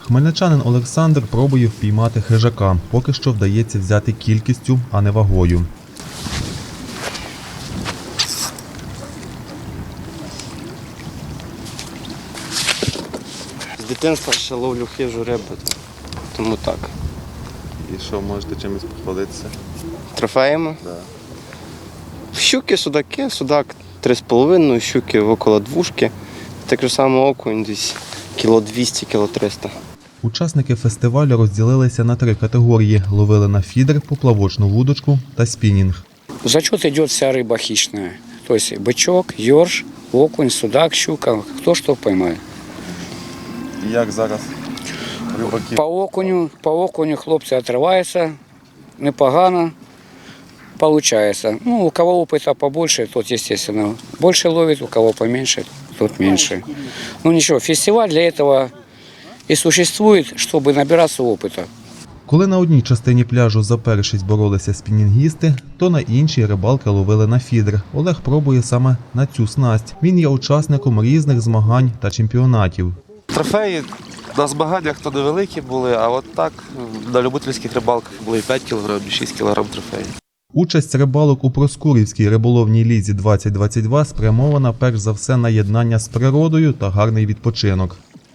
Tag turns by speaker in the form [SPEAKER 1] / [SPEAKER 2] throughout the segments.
[SPEAKER 1] Хмельничанин Олександр пробує впіймати хижака. Поки що вдається взяти кількістю, а не вагою.
[SPEAKER 2] З дитинства ще ловлю хижу рибу, тому так.
[SPEAKER 3] І що, можете чимось похвалитися?
[SPEAKER 2] Трофеями?
[SPEAKER 3] Да.
[SPEAKER 2] Щуки, судаки, судак 3,5, щуки около 2. Так же само окунь десь кіло 200, кіло 300.
[SPEAKER 1] Учасники фестивалю розділилися на 3 категорії. Ловили на фідер, поплавочну вудочку та спінінг.
[SPEAKER 4] В зачет идет вся рыба хищная. То есть бычок, ёрш, окунь, судак, щука, кто что поймает.
[SPEAKER 3] І як зараз рибаки?
[SPEAKER 4] По окуню хлопцы отрываются, непогано получается. Ну, у кого опыта побольше, тот, естественно, больше ловит, у кого поменьше, тот меньше. Ну ничего, фестиваль для этого и существует, чтобы набираться опыта.
[SPEAKER 1] Коли на одній частині пляжу за першість боролися спінінгісти, то на іншій рибалки ловили на фідер. Олег пробує саме на цю снасть. Він є учасником різних змагань та чемпіонатів.
[SPEAKER 5] Трофеї на змаганнях то невеликі були, а от так на любительських рибалках були і 5 кг, і 6 кг трофеїв.
[SPEAKER 1] Участь рибалок у Проскурівській риболовній лізі 2022 спрямована перш за все на єднання з природою та гарний відпочинок.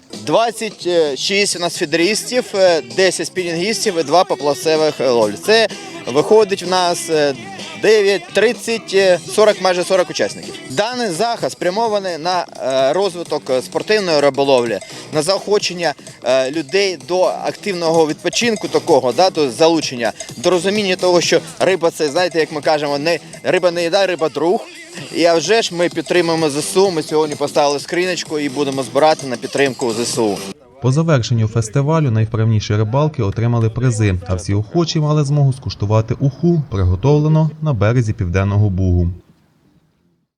[SPEAKER 6] 26 у нас фідерістів, 10 спінінгістів і 2 поплавцевих ловлі. Це виходить в нас 9, 30, 40, майже 40 учасників. Даний захід спрямований на розвиток спортивної риболовлі, на заохочення людей до активного відпочинку такого, до залучення, до розуміння того, що риба це, знаєте, як ми кажемо, риба не їда, риба друг. І а вже ж ми підтримуємо ЗСУ, ми сьогодні поставили скриночку і будемо збирати на підтримку ЗСУ.
[SPEAKER 1] По завершенню фестивалю найвправніші рибалки отримали призи, а всі охочі мали змогу скуштувати уху, приготовлену на березі Південного Бугу.